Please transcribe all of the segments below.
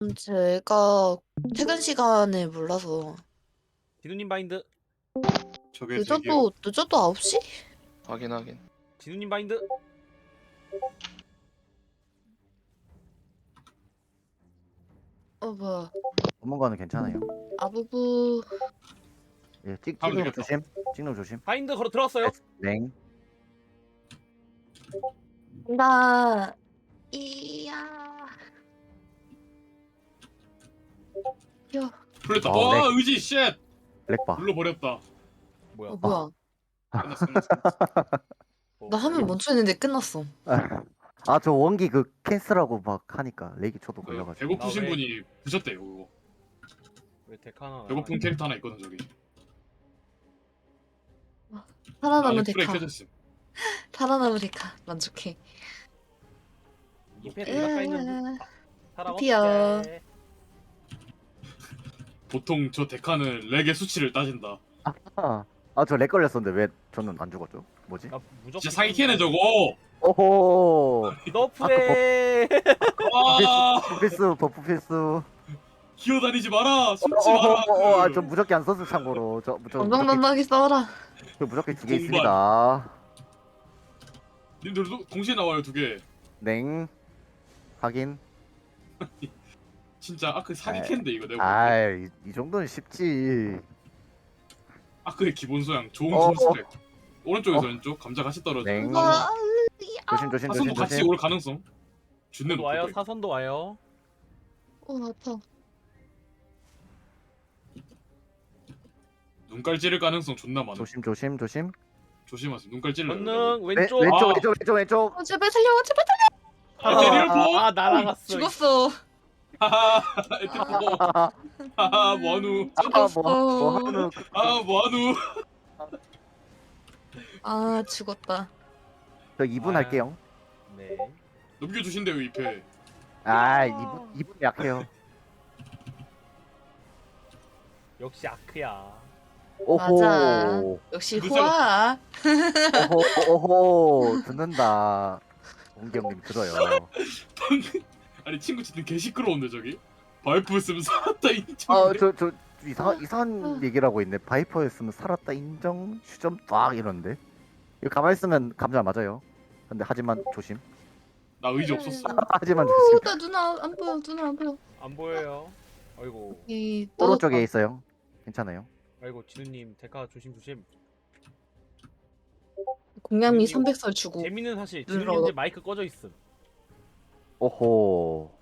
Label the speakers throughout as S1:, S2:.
S1: 제가 퇴근 시간을 몰라서
S2: 진우님 바인드.
S3: 저게 대기업.
S1: 늦어도 9시?
S4: 확인.
S2: 진우님 바인드.
S1: 뭐야.
S5: 전문가는 괜찮아요.
S1: 아부부.
S5: 예,
S3: 하면
S5: 찍는 거
S3: 되겠다.
S5: 조심. 찍는 거 조심.
S2: 바인드 걸어 들어왔어요.
S5: 냉.
S1: 나 이야. 야,
S3: 풀렸다.
S5: 아,
S3: 와
S5: 네.
S3: 의지 쉣.
S5: 렉바.
S3: 눌러버렸다.
S2: 뭐야?
S1: 뭐야.
S3: 끝났어.
S1: 나 화면 멈춰있는데 끝났어.
S5: 아, 저 원기 그 캔슬하고 막 하니까 렉이 저도
S3: 그
S5: 걸려가지고.
S3: 배고프신
S2: 아, 왜?
S3: 분이 부셨대요. 그거.
S2: 왜 데카나?
S3: 배고픈 캐릭터 하나 있거든 저기.
S1: 살아남은
S3: 프레이
S1: 데카.
S3: 켜졌음.
S1: 살아남은 데카. 만족해.
S2: 이패 가까이 있는 사람
S1: 피어.
S2: 없게.
S3: 보통 저 데카는 렉의 수치를 따진다.
S5: 저 렉 걸렸었는데 왜 저는 안 죽었죠? 뭐지?
S2: 나 무조건.
S3: 진짜 사기캐네 저거.
S5: 오호.
S2: 너프해.
S3: 와
S5: 버프 필수, 버프 필수.
S3: 기어다니지 마라. 숨지 마라.
S5: 저 무적기 안 썼어 참고로. 저 무적기,
S1: 건강만만하게 싸워라.
S5: 저 무적기 2개
S3: 공반.
S5: 있습니다.
S3: 님들도 동시에 나와요 두 개.
S5: 냉. 확인.
S3: 진짜 아크 사기캐인데 이거 내가.
S5: 아이, 이 정도는 쉽지.
S3: 아크의 기본 소양 좋은
S5: 어.
S3: 컴스펙. 오른쪽에서 왼쪽 감자 같이 떨어져.
S5: 냉.
S1: 와,
S5: 조심.
S3: 사선도 같이 올 가능성. 준내
S2: 사선도 와요.
S3: 높고.
S2: 사선도 와요.
S1: 아파.
S3: 눈깔 찌를 가능성 존나 많아.
S5: 조심.
S3: 조심하세요. 눈깔 찔러요.
S2: 권능 왼쪽.
S5: 왼쪽.
S1: 제발 살려, 제발
S3: 아, 대리를 보.
S2: 아 날아갔어.
S1: 죽었어.
S3: 하하. 에티포. 하하 뭐하누.
S5: 뭐
S3: 아 뭐하누.
S1: 아, 죽었다.
S5: 저 2분
S2: 아.
S5: 할게요.
S2: 네.
S3: 넘겨주신대요 2패.
S5: 2분 약해요.
S2: 역시 아크야.
S1: 맞아.
S5: 오호.
S1: 역시
S3: 무슨-
S1: 후아.
S5: 오호. 듣는다. 원기 형님 들어요.
S3: 방금 아니 친구 진짜 개 시끄러운데 저기. 바이프 쓰면 살았다 인정.
S5: 저 이상한 얘기를 하고 있네. 바이퍼였으면 살았다 인정. 휴점 딱 이러는데. 이거 가만히 있으면 감자 맞아요. 근데 하지만 조심.
S3: 나 의지 없었어.
S5: 하지만 조심.
S1: 나 누나 안 보여, 누나 안 보여.
S2: 안 보여요. 아이고.
S1: 이
S5: 오른쪽에 있어요. 괜찮아요.
S2: 아이고 진우님 데카 조심.
S1: 공양미 300설 주고.
S2: 재밌는 사실
S1: 눌러.
S2: 진우님 이제 마이크 꺼져 있음.
S5: 오호.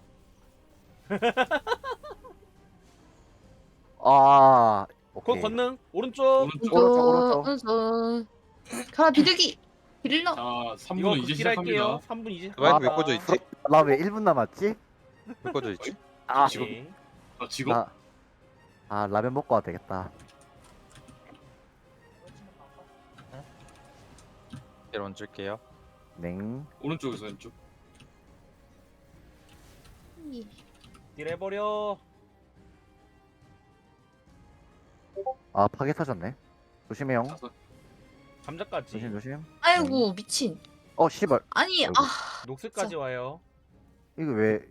S2: 그
S5: 오케이.
S2: 권능 오른쪽.
S5: 오른쪽.
S1: 가라 비둘기. 빌러.
S3: 자
S2: 이거
S3: 3분은 이제
S2: 극딜할게요.
S3: 시작합니다.
S2: 3분 이제.
S4: 마이크 왜 꺼져 있지?
S5: 나 왜 1분 남았지?
S4: 왜 꺼져 있지?
S3: 지금
S2: 네.
S3: 나 직업.
S5: 라면 먹고 와도 되겠다.
S4: 이런 줄게요.
S5: 냉.
S3: 오른쪽에서 왼쪽.
S2: 딜해버려.
S5: 파괴 터졌네. 조심해요.
S3: 자서
S2: 감자까지.
S5: 조심.
S1: 아이고 미친.
S5: 씨발.
S1: 아니
S5: 아이고.
S2: 녹색까지 와요.
S5: 이거 왜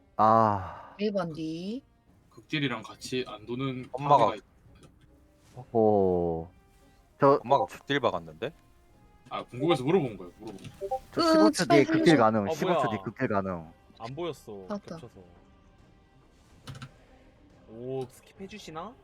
S1: 매반디.
S3: 극딜이랑 같이 안 도는
S4: 엄마가-
S3: 파괴가 있-
S5: 저
S4: 엄마가 극딜 박았는데?
S3: 아 궁금해서 물어본 거예요. 물어본 거.
S5: 15초 뒤에
S1: 제발
S5: 극딜
S1: 살려줘.
S5: 가능.
S2: 아,
S5: 15초
S2: 뭐야.
S5: 뒤에 극딜 가능.
S2: 안 보였어.
S1: 맞다.
S2: 겹쳐서. 오 스킵 해주시나?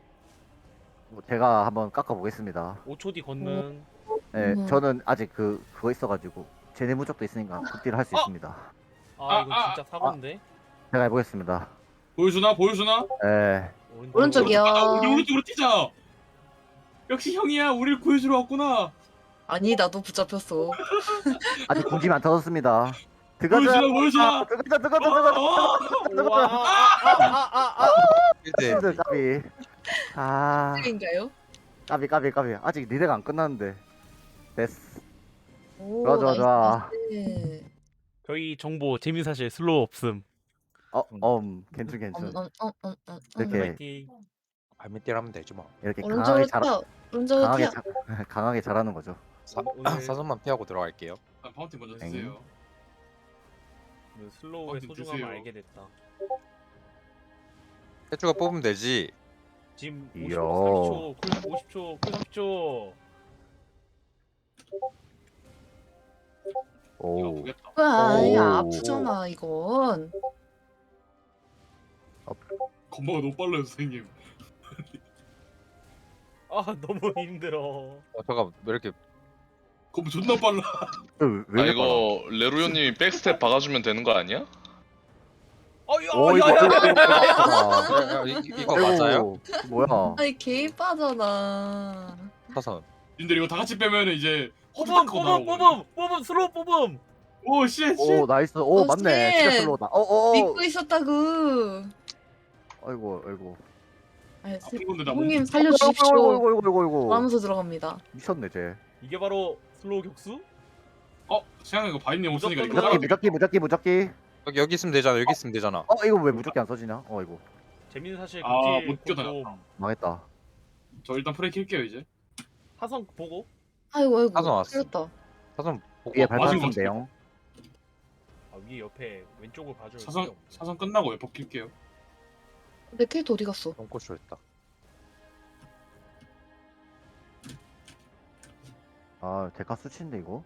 S5: 제가 한번 깎아 보겠습니다.
S2: 5초 뒤 걷는.
S5: 네,
S1: 음.
S5: 저는 아직 그거 있어가지고 제네 무적도 있으니까 극딜 할 수 있습니다.
S2: 아 이거 진짜 사고인데.
S5: 제가 해보겠습니다.
S3: 보여주나?
S5: 네.
S1: 오른쪽이요.
S3: 우리 오른쪽으로 뛰자. 역시 형이야. 우리를 구해주러 왔구나.
S1: 아니 나도 붙잡혔어.
S5: 아직 공짐이 안 터졌습니다. 들어가자.
S3: 보여주나.
S5: 들어가자.
S2: 와.
S4: 1대
S5: 까비.
S1: 인가요?
S5: 까비. 아직 리레가 안 끝났는데. 됐어.
S1: 오,
S5: 좋아.
S1: 나이스.
S2: 저희 정보 재민 사실 슬로우 없음.
S5: 괜찮.
S1: 이렇게
S2: 화이팅.
S4: 발밑딜 하면 되지 뭐.
S5: 이렇게
S1: 오른쪽으로 튀어. 오른쪽으로 튀어.
S5: 강하게 잘하는 거죠.
S2: 오늘
S4: 사선만 피하고 들어갈게요.
S3: 일단 파운틴 먼저
S5: 엥.
S3: 드세요.
S2: 슬로우의
S3: 좀
S2: 소중함을
S3: 드세요.
S2: 알게 됐다.
S4: 해주가 뽑으면 되지.
S2: 지금
S5: 이야.
S2: 50초, 30초, 쿨 50초, 쿨 30초.
S3: 이거
S5: 오.
S3: 아프겠다.
S1: 와, 이거
S5: 오.
S1: 아프잖아 이건.
S3: 건마가 너무 빨라요 선생님.
S2: 아 너무 힘들어.
S4: 잠깐 왜 이렇게
S3: 건마 존나 빨라.
S5: 왜
S6: 아
S5: 이렇게
S6: 이거 레루요님이 백스텝 박아주면 되는 거 아니야?
S5: 오 이거
S4: 야, 이거 맞아요?
S5: 아이고, 뭐야?
S1: 아니 개 빠잖아.
S4: 사선.
S3: 님들 이거 다 같이 빼면은 이제
S2: 뽑음, 뽑음, 슬로우 뽑음.
S3: 오 쉣.
S5: 오 나이스. 오
S1: 어,
S5: 맞네.
S1: 쌤.
S5: 진짜 슬로우다. 오.
S1: 믿고 있었다고.
S5: 아이고.
S1: 아니,
S3: 아픈 건데 나
S1: 형님
S5: 아이고
S1: 살려주십시오.
S5: 아이고.
S1: 하면서 들어갑니다.
S5: 미쳤네 쟤.
S2: 이게 바로 슬로우 격수?
S3: 생각해 이거 바인님 없으니까 이거
S2: 무조건
S3: 깔아.
S5: 무적기.
S4: 여기 있으면 되잖아. 여기 있으면 되잖아.
S5: 이거 왜 무적기 안 써지냐? 이거
S2: 재밌는 사실
S3: 아,
S2: 극딜
S3: 못 껴다녔다.
S2: 콘돔.
S5: 망했다.
S3: 저 일단 프레이 킬게요 이제.
S2: 사선 보고.
S1: 아이고.
S4: 사선 왔어.
S1: 틀렸다.
S4: 사선 보고
S5: 위에
S3: 맞은
S5: 발판
S3: 것
S5: 쓰면 돼요.
S2: 아 위에 옆에 왼쪽을 봐줄
S3: 사선 끝나고 웨퍼 킬게요.
S1: 내 캐릭터 어디 갔어?
S4: 똥꼬쇼 했다.
S5: 아 데카 수치인데 이거.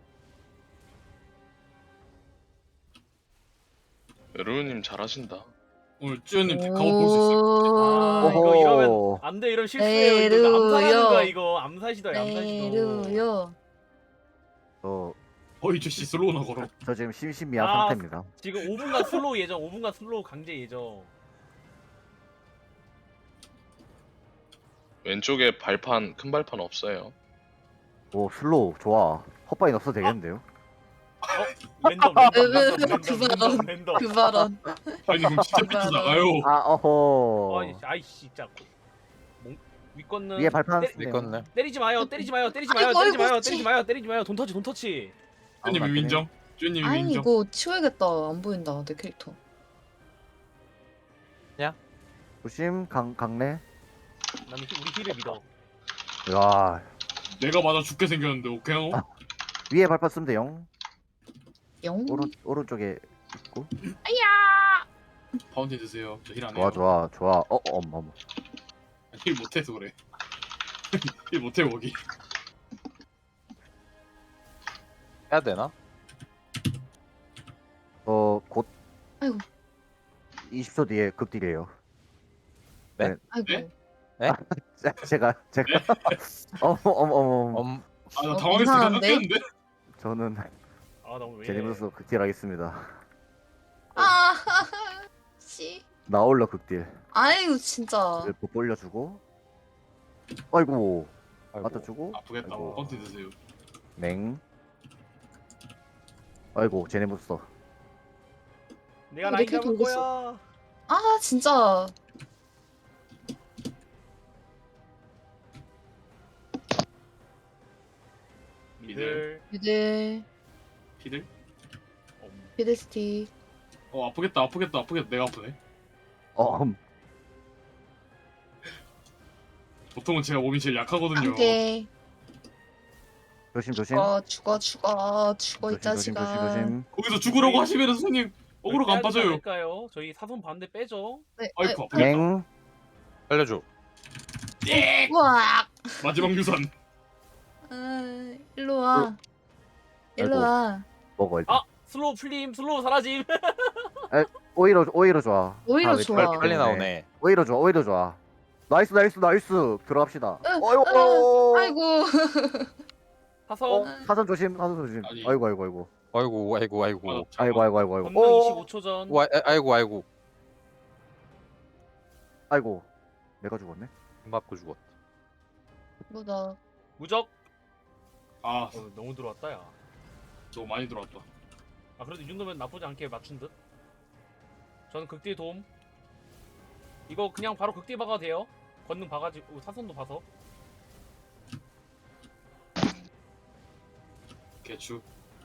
S6: 레루요님 잘하신다.
S3: 오늘 쭈연님 데카웃 볼 수 있어요.
S2: 아 이거 이러면
S5: 오호.
S2: 안돼 이런 실수예요. 이거 암살하는
S1: 레루요.
S2: 거야 이거. 암살시도야 암살시도.
S1: 내루요.
S3: 어이 저씨 슬로우나 걸어.
S5: 저 지금 심신미한
S2: 아.
S5: 상태입니다.
S2: 지금 5분간 슬로우 예정. 5분간 슬로우 강제 예정.
S6: 왼쪽에 발판 큰 발판 없어요.
S5: 오 슬로우 좋아. 헛바인 없어도 되겠는데요?
S2: 랜덤 랜덤.
S1: 그 발언.
S3: 아니 그럼 진짜 비트 나가요.
S5: 어허.
S2: 아이씨 진짜. 윗건는
S5: 위에 발판
S2: 때리-
S5: 쓰네요.
S4: 이건네.
S2: 때리지 마요.
S1: 아이고,
S2: 때리지 마요. 돈 터치.
S3: 쭈연님
S5: 아무나
S3: 인정. 쭈연님
S1: 아니
S3: 인정.
S1: 이거 치워야겠다. 안 보인다 내 캐릭터.
S5: 조심 강내.
S2: 나는 우리 힐을 믿어.
S5: 야
S3: 내가 맞아 죽게 생겼는데 오케이?
S5: 위에 발판 쓰면 돼요.
S1: 영.
S5: 오른쪽에 있고.
S3: 파운틴 드세요. 저 힐 안 해요.
S5: 좋아. 어머.
S3: 힐 못해서 그래. 힐 못해 거기.
S4: 해야 되나?
S5: 곧.
S1: 아이고.
S5: 20초 뒤에 급딜이에요.
S1: 아이고.
S5: 제가 어머.
S3: 아나 당황했으니까
S1: 이상한데?
S3: 깎였는데?
S5: 저는
S2: 아나 왜?
S5: 제니무스 극딜하겠습니다.
S1: 아. 씨.
S5: 나올러 극딜.
S1: 아이고 진짜.
S5: 못 돌려주고. 아이고.
S4: 아이고.
S5: 맞춰주고.
S3: 아프겠다.
S5: 아이고.
S3: 파운틴 드세요.
S5: 냉. 아이고 제네무스.
S2: 내가
S1: 내
S2: 라인
S1: 캐릭터
S2: 잡을
S1: 어딨어?
S2: 거야.
S1: 아 진짜.
S2: 미들.
S1: 비들.
S3: 피들?
S1: 비데스티.
S3: 아프겠다. 내가 아프네.
S5: 어.
S3: 보통은 제가 몸이 제일 약하거든요.
S1: 안돼.
S5: 조심.
S1: 죽어 이
S5: 조심.
S1: 자식아.
S3: 거기서 죽으라고 하시면 선생님 어그로가 안 빠져요.
S2: 될까요? 저희 사선 반대 빼죠.
S1: 네.
S3: 아이고 아프겠다.
S5: 냉.
S4: 살려줘.
S1: 우와.
S3: 마지막 유산.
S1: 일로 와. 일로 와.
S5: 먹어 일단.
S2: 아 슬로우 풀림, 슬로우 사라짐.
S5: 오히려 좋아.
S1: 오히려
S5: 아,
S1: 좋아.
S5: 왼쪽
S4: 빨리
S5: 때문에.
S4: 나오네.
S5: 오히려 좋아. 나이스. 들어갑시다.
S1: 아이고.
S2: 사선.
S5: 사선 조심.
S3: 아니.
S5: 아이고.
S4: 아이고.
S2: 권능
S5: 오.
S2: 25초 전.
S4: 아이고.
S5: 아이고. 내가 죽었네.
S4: 맞고 죽었다.
S1: 뭐다.
S2: 무적.
S3: 아
S2: 너무 들어왔다 야.
S3: 너무 많이 들어왔다.
S2: 아 그래도 이 정도면 나쁘지 않게 맞춘 듯. 저는 극딜 도움. 이거 그냥 바로 극딜 박아도 돼요. 권능 박아지고 사선도 봐서.
S3: 개추.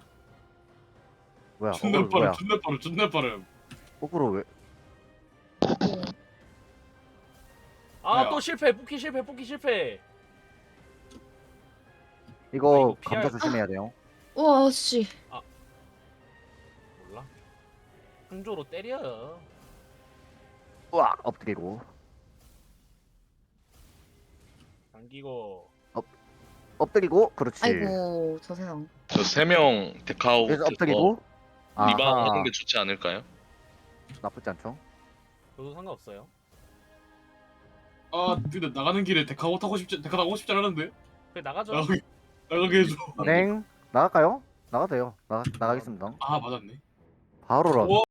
S5: 뭐야?
S3: 존나
S5: 어그로 뭐야?
S3: 빠름. 존나 빠름.
S5: 거꾸로 왜?
S2: 아
S3: 야.
S2: 또 실패. 뽑기 실패.
S5: 이거
S2: 이거 피할-
S5: 감자 조심해야 돼요.
S1: 와 씨.
S2: 몰라. 항조로 때려.
S5: 우와 엎드리고.
S2: 당기고.
S5: 엎드리고 그렇지.
S1: 아이고 저 세상.
S6: 저 3명 데카아웃
S5: 그래서 엎드리고.
S6: 리방
S5: 아하,
S6: 하는 게 좋지 않을까요?
S5: 나쁘지 않죠.
S2: 저도 상관없어요.
S3: 아 근데 나가는 길에 데카 타고 싶지 않았는데.
S2: 그래 나가죠.
S3: 나가게 해줘.
S5: 땡 나갈까요? 나가도 돼요. 나가겠습니다.
S3: 아 맞았네.
S5: 바로 런.
S3: 와